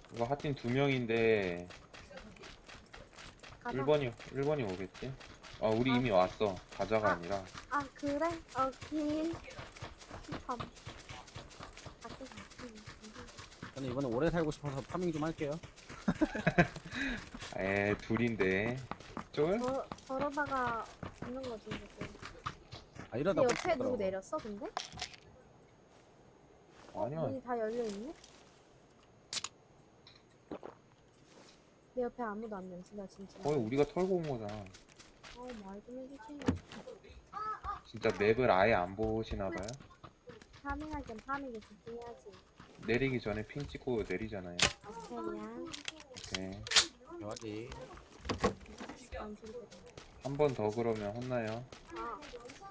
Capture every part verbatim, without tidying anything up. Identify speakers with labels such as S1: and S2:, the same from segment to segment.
S1: 이거 하팀 두 명인데
S2: 가자.
S1: 일 번이 일 번이 오겠지? 아 우리
S2: 아.
S1: 이미 왔어. 가자가
S2: 아.
S1: 아니라.
S2: 아 그래? 오케이. 힙합. 갈게, 갈게.
S3: 저는 이번에 오래 살고 싶어서 파밍 좀 할게요.
S1: 에 둘인데 쫄?
S2: 저, 저러다가 죽는 거지 이제.
S3: 아 이러다
S2: 근데
S3: 꼭
S2: 옆에 누구
S3: 죽더라고.
S2: 내렸어 근데?
S1: 아니야.
S2: 문이 다 열려있네? 내 옆에 아무도 안 내렸어 진짜.
S1: 거의 우리가 털고 온 거잖아.
S2: 어, 말 좀 해주지.
S1: 진짜 맵을 아예 안 보시나봐요?
S2: 파밍할 땐 파밍에 집중해야지.
S1: 내리기 전에 핑 찍고 내리잖아요.
S2: 오케이, 미안.
S1: 오케이.
S3: 여기
S2: 안 소리거든.
S1: 한 번 더 그러면 혼나요.
S2: 아.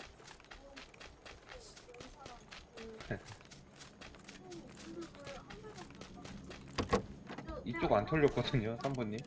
S1: 이쪽 안 털렸거든요, 삼 번님.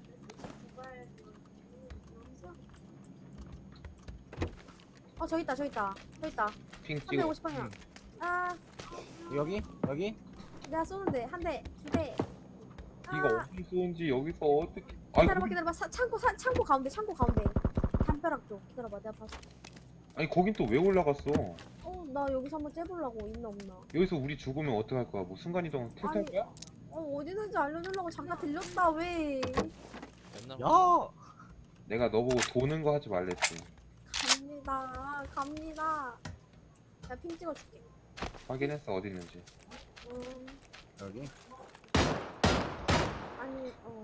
S2: 어, 저기 있다, 저기 있다. 저기 있다.
S1: 핑 찍어.
S2: 삼백오십 방향.
S1: 음.
S2: 아,
S3: 여기 여기
S2: 내가 쏘는데. 한 대, 두 대.
S1: 이거
S2: 아,
S1: 어디 쏘는지 여기서 어떻게? 아니,
S2: 기다려봐,
S1: 거기,
S2: 기다려봐. 사, 창고, 사, 창고 가운데, 창고 가운데. 담벼락 쪽. 기다려봐, 내가 봐서.
S1: 아니 거긴 또 왜 올라갔어?
S2: 어, 나 여기서 한번 째보려고. 있나, 없나.
S1: 여기서 우리 죽으면 어떡할 거야? 뭐 순간이동 킬탈
S2: 아니.
S1: 거야?
S2: 어, 어디 있는지 알려주려고 잠깐 들렸다, 왜.
S3: 야
S1: 내가 너보고 도는 거 하지 말랬지.
S2: 갑니다, 갑니다. 내가 핑 찍어줄게.
S1: 확인했어 어디 있는지.
S2: 음,
S3: 여기
S2: 아니, 어.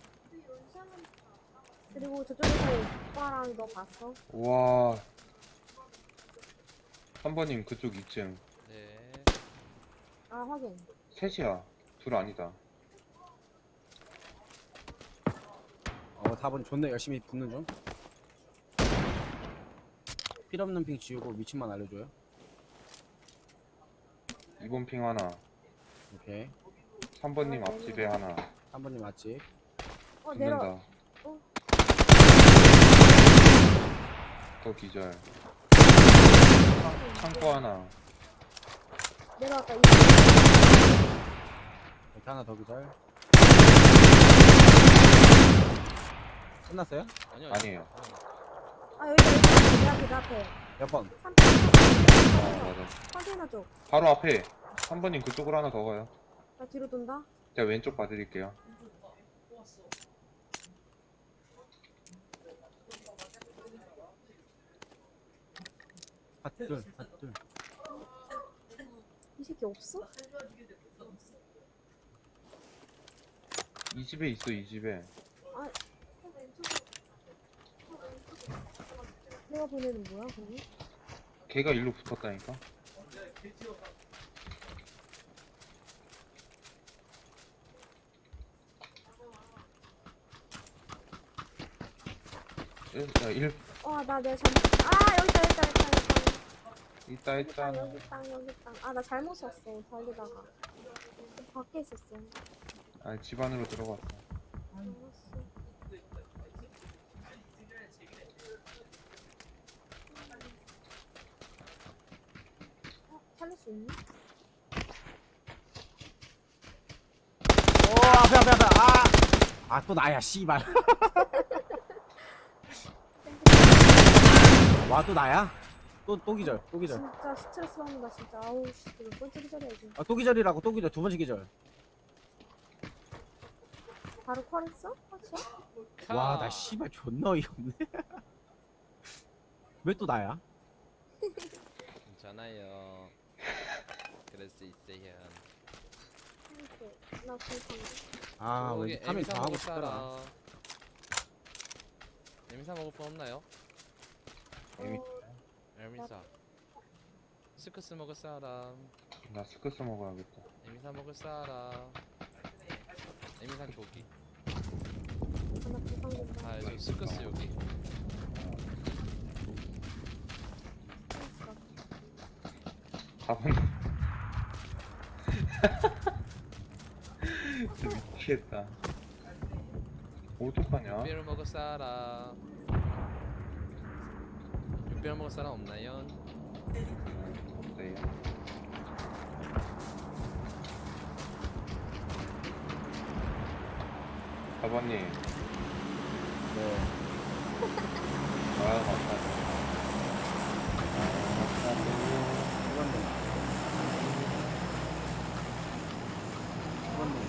S2: 그리고 저쪽에서 오빠랑 너 봤어?
S1: 우와. 삼 번님 그쪽 이 층.
S4: 네.
S2: 아, 확인.
S1: 셋이야. 둘 아니다.
S3: 어 사 번 존나 열심히 붙는 중. 필요없는 핑 지우고 위치만 알려줘요.
S1: 이 번 핑 하나.
S3: 오케이.
S1: 삼 번님 앞집에 하나.
S3: 한 번님 맞지?
S2: 어, 내려.
S1: 붙는다.
S2: 어.
S1: 또 기절. 창고 하나.
S2: 내려왔다. 이
S3: 여기 하나 더 기절. 끝났어요?
S4: 아니요.
S1: 아니에요.
S2: 아, 여기다, 여기다. 내 앞에, 내 앞에.
S3: 몇 번?
S1: 아
S2: 컨테이너
S1: 맞아.
S2: 컨테이너 쪽.
S1: 바로 앞에. 삼 번님 그쪽으로 하나 더 가요.
S2: 나 뒤로 돈다.
S1: 제가 왼쪽 봐드릴게요.
S3: 핫둘 핫둘.
S2: 이 새끼 없어?
S1: 이 집에 있어 이 집에.
S2: 아. 내가 보내는 뭐야, 거기?
S1: 걔가 일로 붙었다니까. 일, 야, 일
S2: 와, 나 내가 잘못. 아, 여기 있다, 여기 있다, 여기 있다, 여기
S1: 있다
S2: 있다.
S1: 했잖아.
S2: 여기 있다, 여기 있다. 아, 나 잘못 썼어. 달리다가. 밖에 있었어.
S1: 아, 집 안으로 들어갔어.
S2: 알았어. 어, 살릴 수 있니?
S3: 오 앞에 앞에 앞에 아! 아 또 나야 씨발. 와 또 나야? 또 또 기절 또 기절.
S2: 진짜 스트레스 받는다, 진짜. 아우, 씨. 이거 꼴찌 기절해야지.
S3: 아 또 기절이라고 또 기절 두 번째 기절.
S2: 바로 콜했어? 확실해?
S3: 와 나 씨발 존나 어이없네. 왜 또 나야?
S4: 괜찮아요. 그럴 수 있어요.
S2: 이렇게. 나 불쌍해.
S3: 아
S4: 저기
S3: 왠지 파밍
S4: 에미사
S3: 더 하고
S4: 먹을
S3: 싶더라.
S4: 사람. 에미사 먹을 분 없나요?
S1: 에미,
S4: 에미사. 스크스 먹을 사람.
S1: 나 스크스 먹어야겠다.
S4: 에미사 먹을 사람. 에미사 조기.
S2: 하나 불쌍해진다.
S4: 아, 저 스크스 여기.
S1: 사 번. 진짜 미치겠다. 어떡하냐?
S4: 육배를 먹을 사람. 육배를 먹을 사람 없나요?
S1: 없어요. 사번님.
S3: 네.
S1: 아, 맞다. 아,
S3: 수건님. 수건님.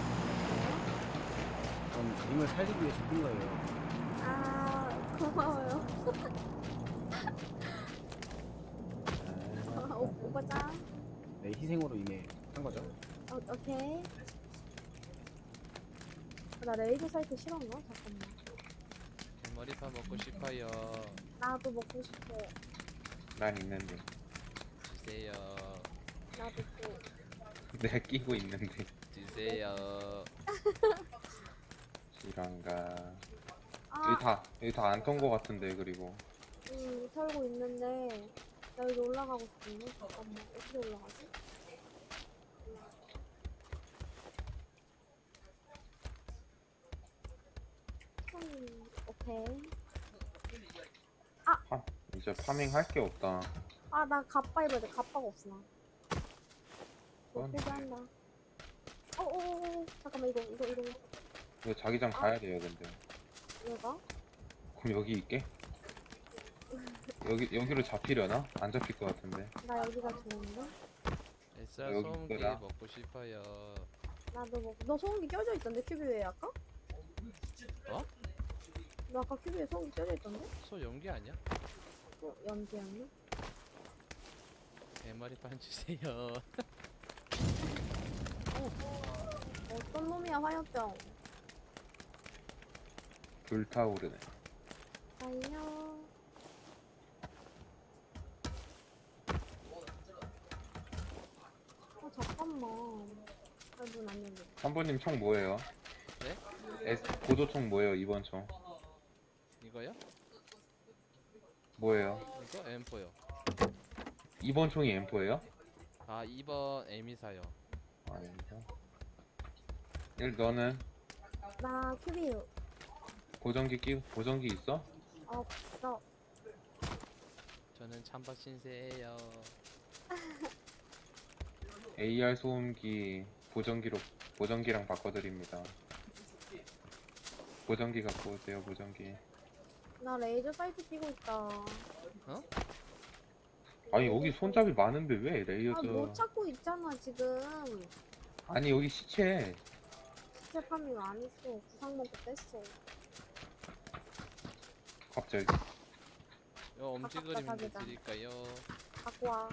S3: 전 님을 살리기 위해 죽은 거예요.
S2: 아, 고마워요. 아, 오, 오빠짱.
S3: 내 희생으로 인해 한 거죠.
S2: 어, 오케이. 나 레이저 사이트 싫었나? 잠깐만.
S4: 머리판 먹고 싶어요.
S2: 나도 먹고 싶어.
S1: 난 있는데.
S4: 주세요.
S2: 나도 또.
S1: 내가 끼고 있는데.
S4: 주세요.
S1: 이란가.
S2: 아,
S1: 여기 다, 여기 다 안 턴 거 같은데, 그리고.
S2: 음, 털고 있는데. 나 여기 올라가고 싶은데? 잠깐만. 어떻게 올라가지? 음, 오케이.
S1: 아, 이제 파밍 할 게 없다.
S2: 아, 나 갑바 입어야 돼. 갑바가 없어, 나. 못
S1: 그건-
S2: 포기한다. 어어어, 잠깐만, 이거, 이거, 이거.
S1: 이거 자기장 가야 돼요, 근데.
S2: 얘가?
S1: 그럼 여기 있게? 여기, 여기로 잡히려나? 안 잡힐 것 같은데.
S2: 나 여기가 좋은데?
S4: 에스알
S1: 여기
S4: 소음기
S1: 있더라.
S4: 먹고 싶어요.
S2: 나도 뭐, 너 소음기 껴져 있던데, 큐브 위에 아까?
S4: 어?
S2: 너 아까 큐브 위에 소음기 껴져 있던데?
S4: 소 연기 아니야?
S2: 어, 연기였네?
S4: 대머리판 주세요.
S2: 어떤 놈이야, 화염병.
S1: 불타오르네.
S2: 달려. 어, 잠깐만. 아, 문안 열려.
S1: 한 번님 총 뭐예요?
S4: 네?
S1: S, 고도총 뭐예요, 이번 총?
S4: 이거요?
S1: 뭐예요?
S4: 이거 엠포요.
S1: 이번 총이 엠포예요?
S4: 아 이번 에미사요.
S1: 아닙니다. 일, 너는
S2: 나 큐브
S1: 보정기 끼, 보정기 있어?
S2: 없어.
S4: 저는 찬밥 신세예요.
S1: 에이알 소음기 보정기로, 보정기랑 바꿔드립니다. 보정기 갖고 오세요, 보정기.
S2: 나 레이저 사이트 끼고 있다.
S1: 아니, 여기 손잡이 많은데 왜
S2: 아,
S1: 레이어저.
S2: 못 찾고 있잖아, 지금.
S1: 아니, 여기 시체.
S2: 시체 파밍 안 했어. 구상 먹고 뺐어.
S1: 갑자기.
S4: 요 엄지
S2: 아깝다,
S4: 그림
S2: 자기다.
S4: 드릴까요?
S2: 갖고 와.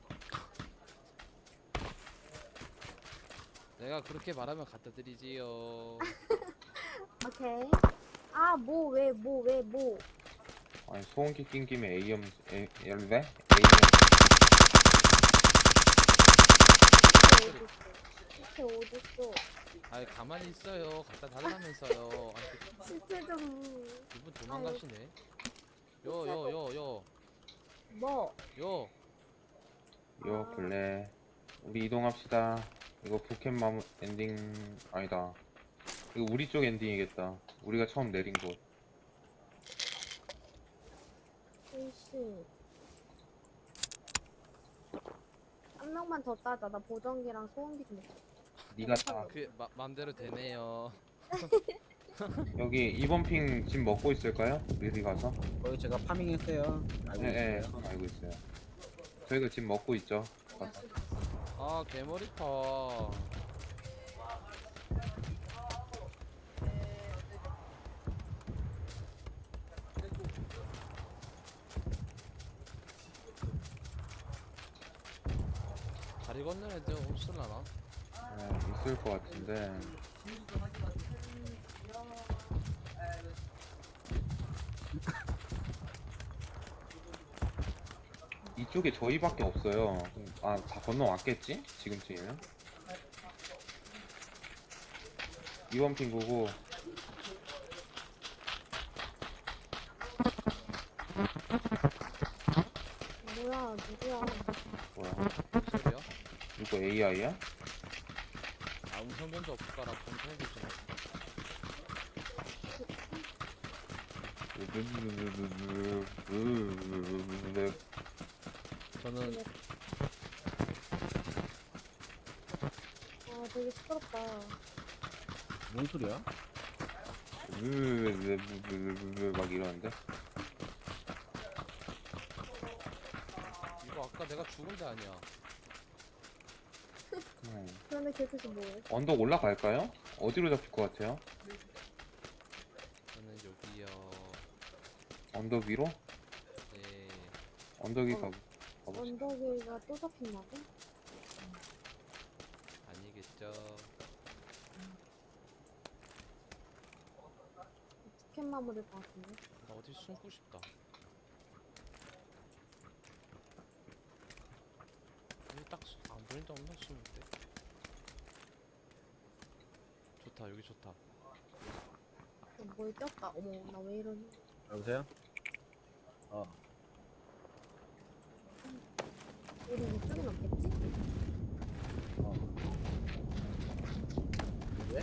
S4: 내가 그렇게 말하면 갖다 드리지요.
S2: 오케이. 아, 뭐, 왜, 뭐, 왜, 뭐.
S1: 아니, 소음기 낀 김에 A염, 에, 열배? A염.
S2: 시체 어딨어? 시체 어딨어?
S4: 아이 가만히 있어요. 갖다 달라면서요. 아니,
S2: 시체 좀.
S4: 이분 도망가시네. 요 요 요 요
S2: 뭐?
S4: 요.
S1: 요, 블레. 우리 이동합시다. 이거 부켓 마무, 엔딩, 아니다. 이거 우리 쪽 엔딩이겠다. 우리가 처음 내린 곳.
S2: 일시. 한 명만 더 따자. 나 보정기랑 소음기 좀 먹자.
S1: 니가 다.
S4: 그 마, 맘대로 되네요.
S1: 여기 이번 핑 집 먹고 있을까요? 미리 가서?
S3: 거기 제가 파밍했어요. 알고
S1: 네, 네,
S3: 있어요.
S1: 그건 알고 있어요. 저희가 집 먹고 있죠. 가서.
S4: 아 개머리파. 다리 건너는 애들 없을라나?
S1: 네, 있을 것 같은데. 이쪽에 저희밖에 없어요. 아, 다 건너왔겠지? 지금쯤이면? 이번 핑 보고
S2: 뭐야, 누구야?
S1: 뭐야?
S4: 무슨 소리야?
S1: 이거 에이아이야?
S4: 아 음성 변조 없을까라 검색해주세요. 저는
S2: 아, 되게 시끄럽다.
S3: 뭔 소리야?
S1: 으으으으으으막 이러는데.
S4: 이거 아까 내가 죽은 데 아니야.
S1: 음.
S2: 그런데 걔도지 뭐해?
S1: 언덕 올라갈까요? 어디로 잡힐 것 같아요?
S4: 저는 여기요.
S1: 언덕 위로?
S4: 네.
S1: 언덕 위
S2: 어.
S1: 가. 가봅시다.
S2: 언덕이가 또 잡힌다고?
S4: 아니겠죠.
S2: 부캔 마무리일 것 같은데?
S4: 나 어디 숨고 싶다. 여기 딱안 보인다 없나 숨을 때. 좋다 여기 좋다.
S2: 어, 뭘 꼈다. 어머, 나 왜 이러니?
S3: 여보세요? 어.
S2: 우리 이쪽엔 없겠지?
S3: 어. 왜?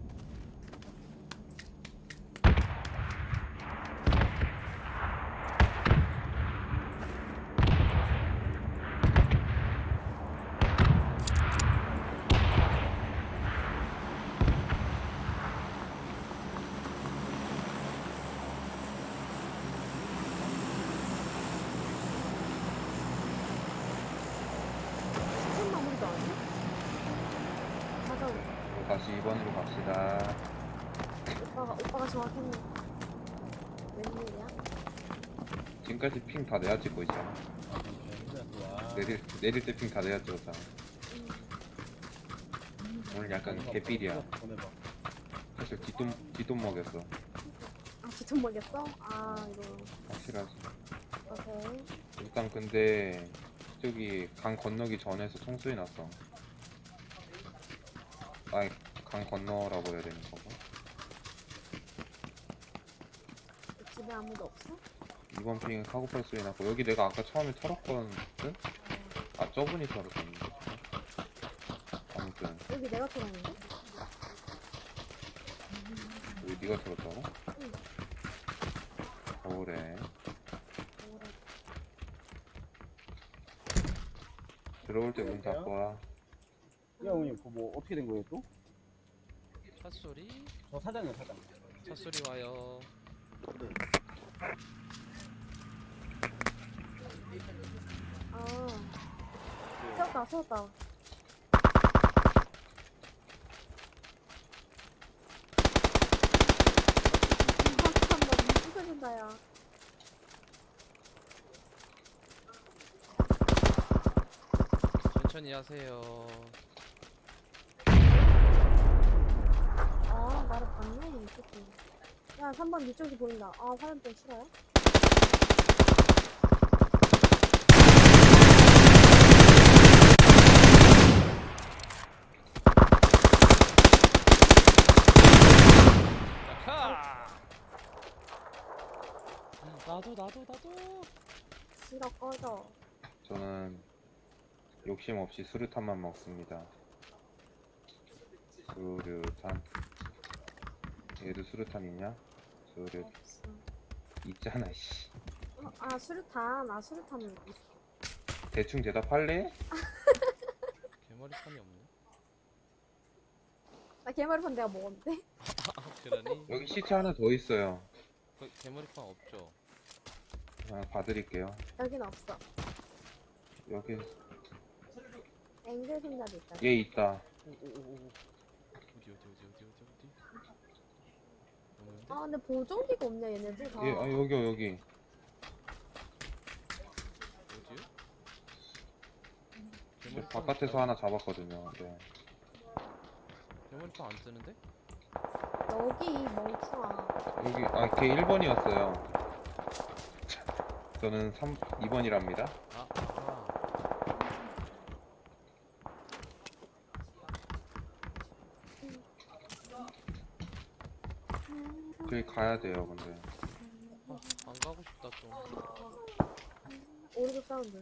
S2: 부캔 마무리도 아니야? 맞아,
S1: 그리고 다시 이 번으로 갑시다.
S2: 오빠가, 오빠가 정확했네. 웬일이야?
S1: 지금까지 핑 다 내야 찍고 있잖아.
S3: 아, 진짜 좋아.
S1: 내릴, 내릴 때 핑 다 내야 찍었잖아.
S2: 음,
S1: 오늘 약간 개삘이야.
S3: 보내봐.
S1: 사실 뒷돈, 뒷돈 먹였어.
S2: 아, 기존 먹였어? 아, 이거.
S1: 확실하지.
S2: 오케이.
S1: 일단 근데 저기 강 건너기 전에서 총소리 났어. 아니 강 건너라고 해야 되는 거고.
S2: 집에 아무도 없어?
S1: 이번 핑 카고팔 소리 났고 여기 내가 아까 처음에 털었거든? 아 저분이 털었었는데. 아무튼
S2: 여기 내가 털었는데?
S1: 여기 네가 털었다고?
S2: 응.
S1: 그래.
S2: 뭐래.
S1: 들어올 때 문 닫고 와.
S3: 야, 형님, 그거 뭐 어떻게 된 거예요, 또?
S4: 차 소리?
S3: 저 사장이요, 사장.
S4: 차 소리 와요.
S3: 네.
S2: 아, 세웠다, 세웠다. 잠깐만, 무슨 야
S4: 천천히 하세요.
S2: 아, 나를 봤네, 이 새끼. 야, 삼 번 이쪽이 보인다. 아, 화염병 싫어요?
S4: 야카! 나도 나도 나도.
S2: 싫어, 꺼져.
S1: 저는 욕심 없이 수류탄만 먹습니다. 수류탄. 얘도 수류탄 있냐? 수류
S2: 없어.
S1: 있잖아 씨.
S2: 어, 아, 수류탄. 아, 수류탄 있어.
S1: 대충 대답할래?
S4: 개머리판이 없네.
S2: 나 개머리판 내가 먹었는데?
S4: 아 그러니?
S1: 여기 시체 하나 더 있어요.
S4: 그 개머리판 없죠?
S1: 하나 봐드릴게요.
S2: 여긴 없어.
S1: 여기
S2: 앵글 손잡이 있잖아.
S1: 얘 있다.
S4: 오오오오. 어디 어디 어디 어디 어디 어디? 없는데?
S2: 아, 근데 보정기가 없냐, 얘네들 다.
S1: 얘 아, 여기 여기.
S4: 어디요?
S1: 저
S4: 개머리판
S1: 바깥에서 하나 잡았거든요. 네.
S4: 개머리판 안 뜨는데?
S2: 여기, 멍청아.
S1: 여기 아 걔 일 번이었어요. 저는 삼, 이 번이랍니다.
S4: 아, 아.
S1: 저기 가야 돼요, 근데.
S4: 아, 안 가고 싶다 좀.
S2: 오른쪽 사운드.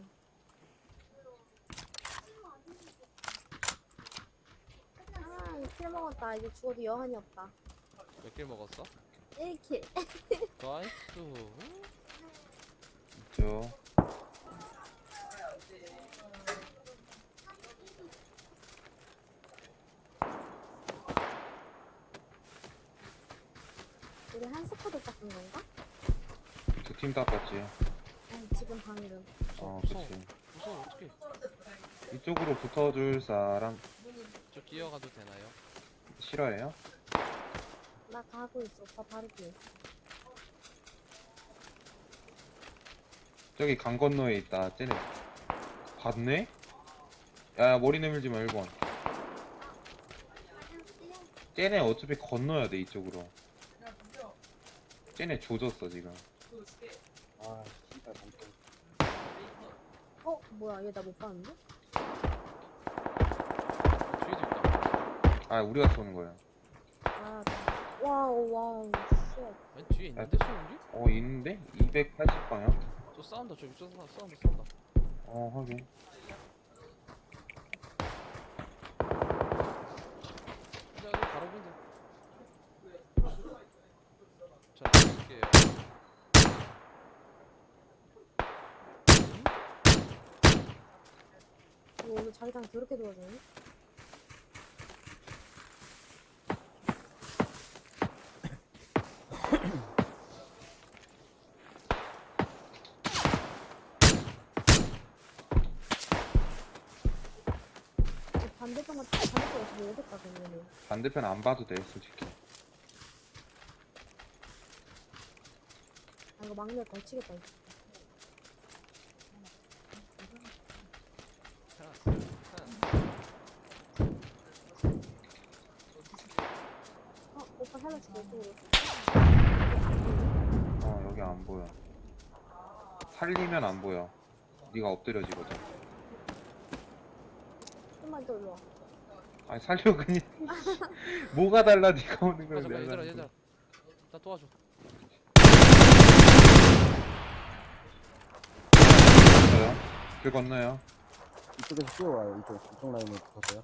S2: 아, 이 킬 먹었다. 이제 죽어도 여한이 없다.
S4: 몇 킬 먹었어?
S2: 일 킬.
S4: 나이스.
S1: 있죠.
S2: 우리 한 스쿼드 닦은 건가?
S1: 두 팀 닦았지.
S2: 아니 지금 방금.
S1: 어,
S4: 무서워.
S1: 그치.
S4: 무서워 어떡해.
S1: 이쪽으로 붙어줄 사람
S4: 저 끼어가도 되나요?
S1: 싫어해요?
S2: 나 가고 있어. 오빠 바로 뒤에.
S1: 저기 강 건너에 있다. 쟤네 봤네? 야, 머리 내밀지 마. 일 번. 쟤네 어차피 건너야 돼, 이쪽으로. 쟤네 조졌어 지금.
S3: 아 진짜 멍청.
S2: 어? 뭐야 얘 나 못 봤는데?
S4: 뒤에도 있다.
S1: 아, 우리가 쏘는 거야.
S2: 아 와우 와우 쉣.
S4: 맨 뒤에 있는데 소음기?
S1: 어, 있는데? 이백팔십 방향?
S4: 저 싸운다 저기 저 싸운다 싸운다 싸운다.
S1: 어, 확인.
S4: 자 여기 바로 보인다. 자 볼게요.
S2: 이거 오늘 자기장 더럽게 도와주네. 반대편 같은 반대편 어떻게 오겠다 그러면은.
S1: 반대편 안 봐도 돼, 솔직히.
S2: 아 이거 막내 걸치겠다. 이거.
S4: 하나 하나.
S2: 어 오빠 살려줄게 이쪽으로.
S1: 어, 여기 안 보여. 살리면 안 보여. 네가 엎드려지거든.
S2: 좀만 더 일로 와.
S1: 아니, 살려 그냥. 뭐가 달라, 네가 오는
S4: 아
S1: 거야.
S4: 잠깐
S1: 내가
S4: 얘들아
S1: 하는
S4: 얘들아. 나 도와줘.
S1: 거야. 길 건너요.
S3: 이쪽에서 뛰어와요. 이쪽 이쪽 라인에 붙었어요.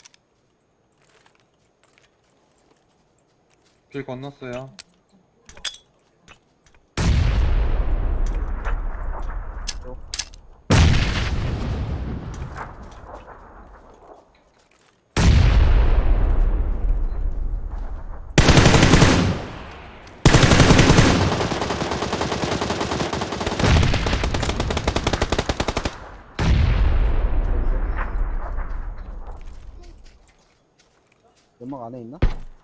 S1: 길 건넜어요.
S3: 이쪽. 연막 안에 있나?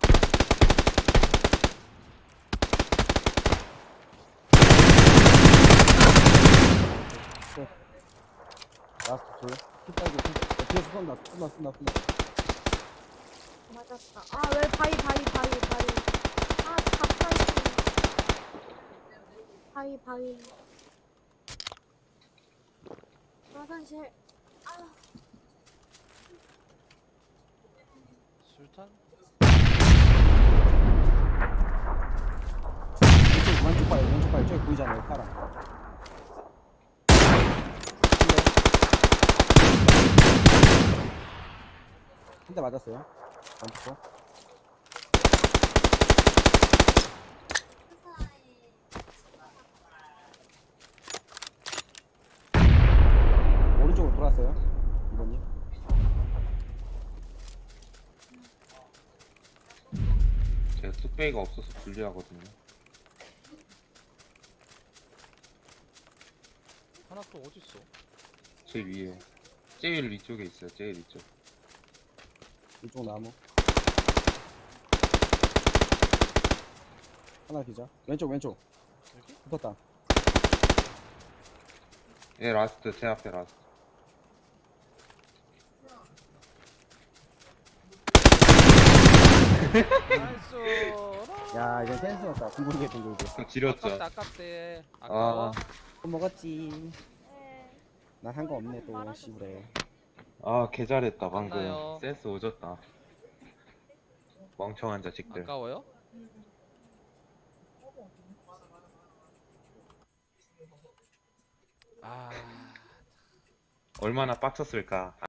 S3: 네. 라스트 둘. 피 빨고 피. 어, 뒤에서 쏜다. 쏜다. 쏜다. 쏜다.
S2: 맞았다. 아 왜 바위 바위 바위 바위. 아 가까이. 바위 바위. 화장실.
S4: 술탄?
S3: 왼쪽 왼쪽 봐요. 왼쪽 봐요. 저기 보이잖아요. 파랑. 한 대 맞았어요. 왼쪽 거. 오른쪽으로 돌았어요. 이번님.
S1: 제가 뚝배기가 없어서 불리하거든요.
S4: 하나 또 어디 있어?
S1: 제 위에. 제일 위쪽에 있어요, 제일 위쪽.
S3: 이쪽 나무. 하나 기자. 왼쪽 왼쪽.
S4: 여기?
S3: 붙었다.
S1: 예, 라스트, 제 앞에 라스트.
S4: 나이스.
S3: 야 이제 센스 없다. 둥글게 둥글게.
S1: 좀 지렸죠?
S4: 아깝다 아깝대. 아까워.
S1: 아,
S3: 또 먹었지.
S2: 네.
S3: 난 한 거 없네 또 씨부래.
S1: 아, 개 잘했다, 방금.
S4: 맞나요?
S1: 센스 오졌다. 멍청한 자식들.
S4: 아까워요? 아.
S1: 얼마나 빡쳤을까.